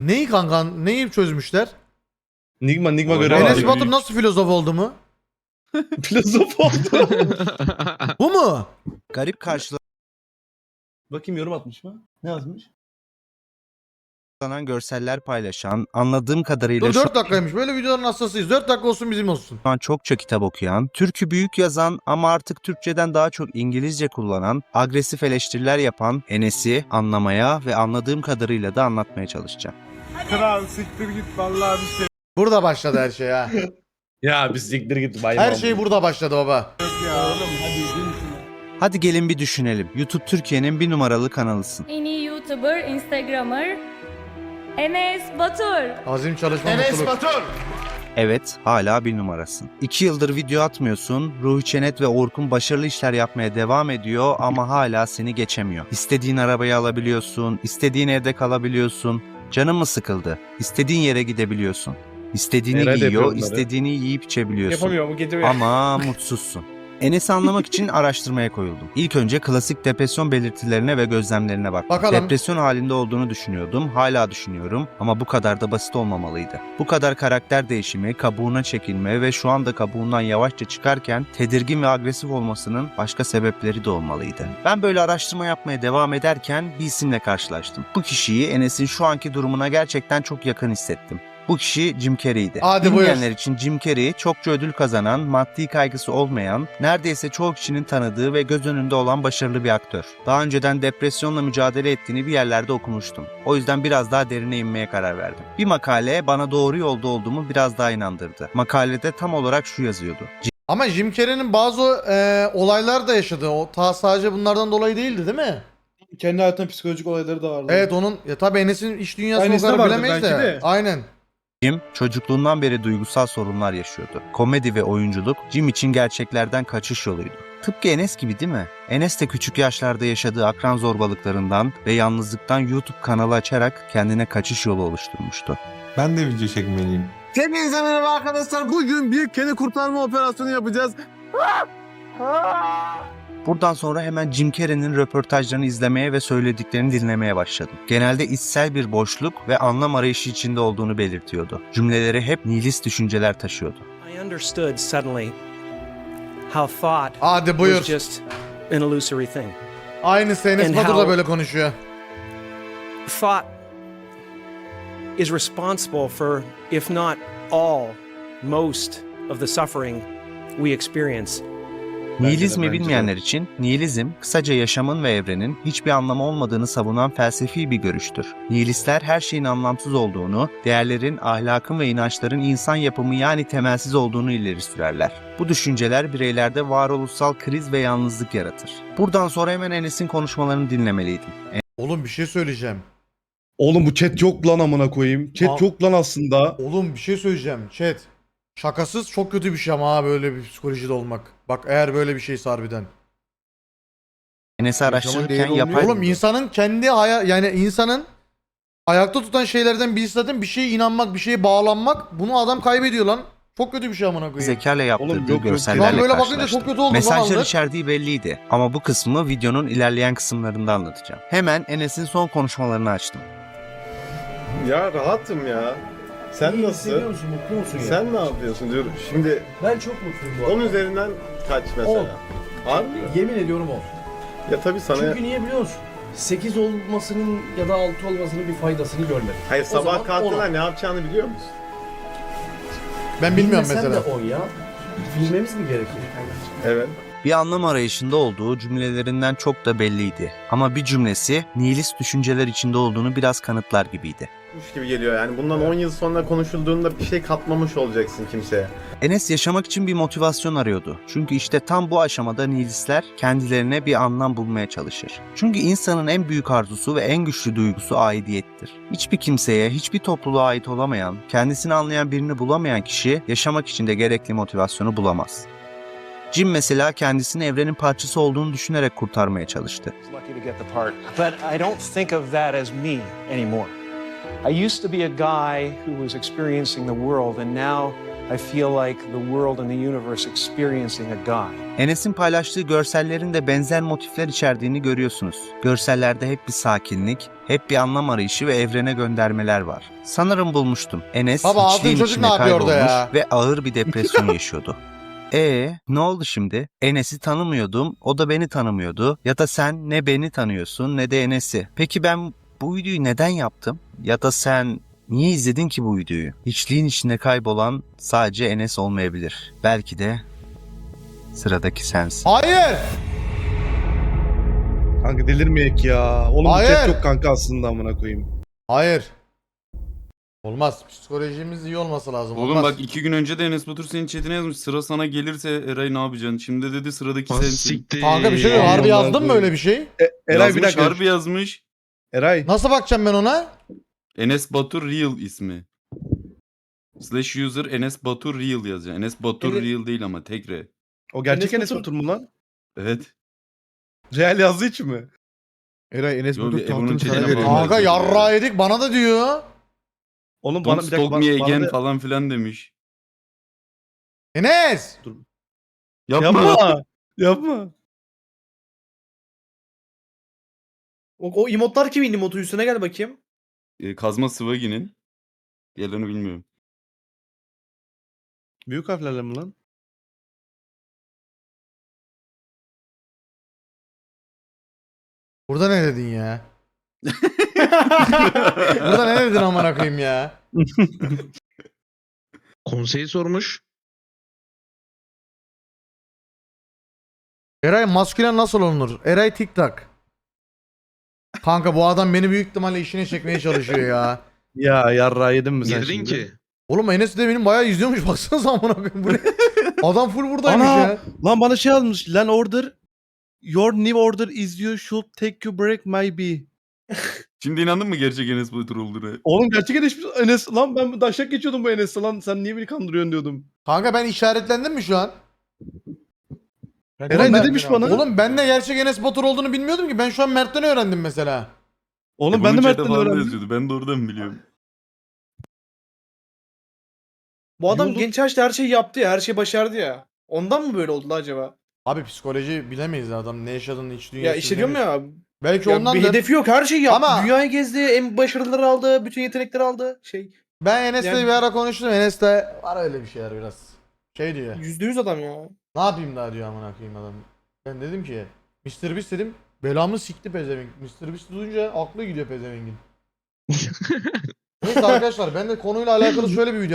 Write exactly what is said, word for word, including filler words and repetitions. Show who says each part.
Speaker 1: Neyi kanka? Neyi çözmüşler?
Speaker 2: Nigma Nigma görev
Speaker 1: Enes
Speaker 2: aldı.
Speaker 1: Batur nasıl filozof oldu mu?
Speaker 2: Filozof oldu.
Speaker 1: Bu mu?
Speaker 3: Garip
Speaker 2: Bakayım yorum atmış mı? Ne yazmış?
Speaker 3: karşılanan görseller paylaşan, anladığım kadarıyla
Speaker 1: Dur
Speaker 3: şu
Speaker 1: dört dakikaymış. Böyle videoların hastasıyız. dört dakika olsun bizim olsun.
Speaker 3: an çokça kitap okuyan, türkü büyük yazan ama artık Türkçeden daha çok İngilizce kullanan, agresif eleştiriler yapan Enes'i anlamaya ve anladığım kadarıyla da anlatmaya çalışacağım.
Speaker 4: Kral siktir git vallahi bir şey
Speaker 1: Burada başladı her şey ha.
Speaker 2: Ya biz siktir git bay
Speaker 1: Her şey burada başladı baba.
Speaker 4: yok ya. Oğlum hadi gün
Speaker 3: Hadi gelin bir düşünelim. YouTube Türkiye'nin bir numaralı kanalısın.
Speaker 5: En iyi YouTuber, Instagrammer Enes Batur.
Speaker 1: Azim çalışma mutluluk.
Speaker 3: Evet, hala bir numarasın. İki yıldır video atmıyorsun, Ruhi Çenet ve Orkun başarılı işler yapmaya devam ediyor ama hala seni geçemiyor. İstediğin arabayı alabiliyorsun, istediğin evde kalabiliyorsun, canın mı sıkıldı, istediğin yere gidebiliyorsun. İstediğini
Speaker 2: Nerede
Speaker 3: giyiyor,
Speaker 2: yapıyor bunları?
Speaker 3: istediğini yiyip içebiliyorsun.
Speaker 2: Yapamıyor mu getiriyor.
Speaker 3: Ama mutsuzsun. Enes'i anlamak için araştırmaya koyuldum. İlk önce klasik depresyon belirtilerine ve gözlemlerine baktım.
Speaker 1: Bakalım.
Speaker 3: Depresyon halinde olduğunu düşünüyordum, hala düşünüyorum ama bu kadar da basit olmamalıydı. Bu kadar karakter değişimi, kabuğuna çekilme ve şu anda kabuğundan yavaşça çıkarken tedirgin ve agresif olmasının başka sebepleri de olmalıydı. Ben böyle araştırma yapmaya devam ederken bir isimle karşılaştım. Bu kişiyi Enes'in şu anki durumuna gerçekten çok yakın hissettim. Bu kişi Jim Carrey'di.
Speaker 1: Hadi buyur.
Speaker 3: Bilmeyenler için Jim Carrey çokça ödül kazanan, maddi kaygısı olmayan, neredeyse çoğu kişinin tanıdığı ve göz önünde olan başarılı bir aktör. Daha önceden depresyonla mücadele ettiğini bir yerlerde okumuştum. O yüzden biraz daha derine inmeye karar verdim. Bir makale bana doğru yolda olduğumu biraz daha inandırdı. Makalede tam olarak şu yazıyordu.
Speaker 1: Ama Jim Carrey'nin bazı e, olaylar da yaşadı. O ta sadece bunlardan dolayı değildi değil mi?
Speaker 6: Kendi hayatında psikolojik olayları da vardı.
Speaker 1: Evet onun ya tabii Enes'in iş dünyasını o
Speaker 6: Aynısı da
Speaker 1: kadar
Speaker 6: vardır
Speaker 1: bilemeyiz de.
Speaker 6: belki de.
Speaker 1: Aynen.
Speaker 3: Jim çocukluğundan beri duygusal sorunlar yaşıyordu. Komedi ve oyunculuk Jim için gerçeklerden kaçış yoluydu. Tıpkı Enes gibi değil mi? Enes de küçük yaşlarda yaşadığı akran zorbalıklarından ve yalnızlıktan YouTube kanalı açarak kendine kaçış yolu oluşturmuştu.
Speaker 4: Ben de video çekmeliyim. Hepinize merhaba arkadaşlar. Bugün bir kedi kurtarma operasyonu yapacağız.
Speaker 3: Buradan sonra hemen Jim Carrey'nin röportajlarını izlemeye ve söylediklerini dinlemeye başladım. Genelde içsel bir boşluk ve anlam arayışı içinde olduğunu belirtiyordu. Cümleleri hep nihilist düşünceler taşıyordu.
Speaker 7: I understood suddenly how thought
Speaker 1: Hadi buyur.
Speaker 7: was just an illusory thing.
Speaker 1: Aynısı Enes
Speaker 7: And
Speaker 1: Batur da
Speaker 7: how-
Speaker 1: böyle konuşuyor.
Speaker 7: Thought is responsible for, if not all, most of the suffering we experience.
Speaker 3: Nihilizmi
Speaker 2: bence de.
Speaker 3: bilmeyenler için nihilizm, kısaca yaşamın ve evrenin hiçbir anlamı olmadığını savunan felsefi bir görüştür. Nihilistler her şeyin anlamsız olduğunu, değerlerin, ahlakın ve inançların insan yapımı yani temelsiz olduğunu ileri sürerler. Bu düşünceler bireylerde varoluşsal kriz ve yalnızlık yaratır. Buradan sonra hemen Enes'in konuşmalarını dinlemeliydim.
Speaker 1: Oğlum bir şey söyleyeceğim.
Speaker 2: Oğlum bu chat yok lan amına koyayım. Chat
Speaker 1: Aa.
Speaker 2: yok lan aslında.
Speaker 1: Oğlum bir şey söyleyeceğim. Chat. Şakasız çok kötü bir şey ama ha böyle bir psikolojide olmak. Bak eğer böyle bir şeyse harbiden.
Speaker 3: Enes'i araştırırken
Speaker 4: değeri
Speaker 3: yapay...
Speaker 4: olmuyor.
Speaker 1: Oğlum insanın kendi haya yani insanın ayakta tutan şeylerden birisi zaten bir şeye inanmak, bir şeye bağlanmak. Bunu adam kaybediyor lan. Çok kötü bir şey amına koyayım.
Speaker 3: zekayla yaptırdığı
Speaker 2: Oğlum yok, yok.
Speaker 1: Şu an
Speaker 3: görsellerle
Speaker 1: böyle bakınca
Speaker 3: karşılaştım.
Speaker 1: çok kötü oldu
Speaker 3: Mesajlar
Speaker 1: falan.
Speaker 3: içerdiği belliydi ama bu kısmı videonun ilerleyen kısımlarında anlatacağım. Hemen Enes'in son konuşmalarını açtım.
Speaker 8: Ya rahatım ya. Sen nasıl?
Speaker 6: musun? Mutlu musun ya?
Speaker 8: Sen ne yapıyorsun diyorum. Şimdi
Speaker 6: Ben çok mutluyum bu
Speaker 8: on
Speaker 6: arada.
Speaker 8: üzerinden kaç mesela? Harbi mi?
Speaker 6: Yemin ediyorum o.
Speaker 8: Ya tabii sana...
Speaker 6: Çünkü niye biliyor musun? sekiz olmasının ya da altı olmasının bir faydasını görmedim.
Speaker 8: Hayır
Speaker 6: O zaman
Speaker 8: sabah kalktığında
Speaker 6: on.
Speaker 8: ne yapacağını biliyor musun?
Speaker 1: Ben bilmiyorum
Speaker 6: Bilmesen
Speaker 1: mesela.
Speaker 6: de on ya. Bilmemiz mi gerekir?
Speaker 8: Evet.
Speaker 3: Bir anlam arayışında olduğu cümlelerinden çok da belliydi. Ama bir cümlesi nihilist düşünceler içinde olduğunu biraz kanıtlar gibiydi.
Speaker 8: Kuş gibi geliyor yani. Bundan on yıl sonra konuşulduğunda bir şey katmamış olacaksın kimseye.
Speaker 3: Enes yaşamak için bir motivasyon arıyordu. Çünkü işte tam bu aşamada nihilistler kendilerine bir anlam bulmaya çalışır. Çünkü insanın en büyük arzusu ve en güçlü duygusu aidiyettir. Hiçbir kimseye, hiçbir topluluğa ait olamayan, kendisini anlayan birini bulamayan kişi yaşamak için de gerekli motivasyonu bulamaz. Jim mesela kendisini evrenin parçası olduğunu düşünerek kurtarmaya çalıştı.
Speaker 9: Lucky to get the part, but I don't think of that as me anymore. I used to be a guy who was experiencing the world, and now I feel like the world and the universe experiencing a God.
Speaker 3: Enes'in paylaştığı görsellerin de benzer motifler içerdiğini görüyorsunuz. Görsellerde hep bir sakinlik, hep bir anlam arayışı ve evrene göndermeler var. Sanırım bulmuştum. Enes
Speaker 1: Baba, altın
Speaker 3: hiçliğin
Speaker 1: çocuk
Speaker 3: içinde
Speaker 1: ne yapıyor orada
Speaker 3: kaybolmuş
Speaker 1: ya?
Speaker 3: ve ağır bir depresyon yaşıyordu. E ne oldu şimdi? Enes'i tanımıyordum, o da beni tanımıyordu. Ya da sen ne beni tanıyorsun ne de Enes'i. Peki ben bu videoyu neden yaptım? Ya da sen niye izledin ki bu videoyu? Hiçliğin içinde kaybolan sadece Enes olmayabilir. Belki de sıradaki sensin.
Speaker 1: Hayır.
Speaker 2: Kanka delirmeyek ya. Oğlum bu
Speaker 1: Hayır.
Speaker 2: chat yok kanka aslında amına koyayım.
Speaker 1: Hayır. Olmaz. Psikolojimiz iyi olması lazım.
Speaker 10: Oğlum
Speaker 1: Olmaz.
Speaker 10: bak iki gün önce de Enes Batur senin chatine yazmış. Sıra sana gelirse Eray ne yapacaksın? Şimdi dedi sıradaki sensin.
Speaker 1: Kanka bir şey yok. Harbi
Speaker 2: Aman
Speaker 1: yazdın mı
Speaker 2: koyayım.
Speaker 1: öyle bir şey?
Speaker 2: E, Eray
Speaker 10: yazmış,
Speaker 2: bir dakika.
Speaker 10: harbi yazmış.
Speaker 2: Eray.
Speaker 1: Nasıl bakacağım ben ona?
Speaker 10: Enes Batur Real ismi. Slash user Enes Batur Real yazacaksın. Enes Batur
Speaker 6: Evet.
Speaker 10: Real değil ama tek re.
Speaker 2: O gerçek
Speaker 6: Enes
Speaker 2: Enes Batur mu lan?
Speaker 10: Evet.
Speaker 2: Real yazdığı için mi?
Speaker 4: Eray Enes
Speaker 10: Yo,
Speaker 4: Batur
Speaker 10: bir Ebru'nun
Speaker 4: tahtını sana
Speaker 10: çeline
Speaker 4: veriyor.
Speaker 10: bağlı.
Speaker 1: Kanka yarra yedik bana da diyor.
Speaker 2: Oğlum
Speaker 10: Don't
Speaker 2: bana bir dakika
Speaker 10: stalk
Speaker 2: bana,
Speaker 10: me
Speaker 2: bana
Speaker 10: again
Speaker 2: da-
Speaker 10: falan filan demiş.
Speaker 1: Enes.
Speaker 10: Yapma.
Speaker 2: Yapma. Yapma.
Speaker 6: O, o emotlar kimin emotu? Üstüne gel bakayım.
Speaker 10: Ee, Kazma Sıvagi'nin. Diğerlerini bilmiyorum.
Speaker 2: Büyük harflerle mi lan?
Speaker 1: Burada ne dedin ya? Burada ne dedin amına koyayım ya?
Speaker 4: Konseyi sormuş.
Speaker 1: Eray maskülen nasıl olunur? Eray TikTok. Kanka bu adam beni büyük ihtimalle işine çekmeye çalışıyor ya.
Speaker 2: Ya yarra yedin mi sen
Speaker 4: Girdin
Speaker 2: şimdi?
Speaker 4: ki.
Speaker 1: Oğlum Enes de benim bayağı izliyormuş baksanıza amına koyayım bu ne? Adam full buradaymış
Speaker 2: Ana!
Speaker 1: ya.
Speaker 2: Lan bana şey almış. Lan order. Your new order is you should take you break maybe.
Speaker 10: Şimdi inandın mı gerçek Enes Batur olduğuna?
Speaker 2: Oğlum gerçek Enes, Enes lan ben daşak geçiyordum bu Enes'e lan. Sen niye beni kandırıyorsun diyordum.
Speaker 1: Kanka ben işaretlendim mi şu an?
Speaker 2: Eray
Speaker 1: Oğlum
Speaker 2: ne
Speaker 1: ben-
Speaker 2: demiş bana?
Speaker 1: Oğlum ben de gerçek Enes Batur olduğunu bilmiyordum ki. Ben şu an Mert'ten öğrendim mesela.
Speaker 2: Oğlum
Speaker 10: E,
Speaker 2: ben de
Speaker 10: bunun chat'e
Speaker 2: Mert'ten
Speaker 10: falan da
Speaker 2: öğrendim.
Speaker 10: yazıyordu. Ben de oradan biliyorum.
Speaker 6: Bu adam
Speaker 2: Yolun-
Speaker 6: genç yaşta her şeyi yaptı ya. Her şeyi başardı ya. Ondan mı böyle oldu lan acaba?
Speaker 1: Abi psikoloji bilemeyiz adam ne yaşadığını iç
Speaker 6: Ya
Speaker 1: dünyasını
Speaker 6: işte diyorum
Speaker 1: bilemiyoruz.
Speaker 6: ya.
Speaker 1: Belki
Speaker 6: ya
Speaker 1: ondan
Speaker 6: bir hedefi yok. Her şeyi yaptı.
Speaker 1: Ama-
Speaker 6: Dünyayı gezdi. En başarıları aldı. Bütün yetenekleri aldı. Şey.
Speaker 1: Ben Enes'le
Speaker 6: Yani-
Speaker 1: bir ara konuştum. Enes de var öyle bir şeyler biraz. Şey diyor.
Speaker 6: Yüzde yüz adam ya.
Speaker 1: Ne yapayım daha diyor amına koyayım adam. Ben dedim ki mister Beast dedim. Belamı sikti pezevenk. mister Beast duyunca aklı gidiyor pezevengin. Neyse arkadaşlar ben de konuyla alakalı şöyle bir video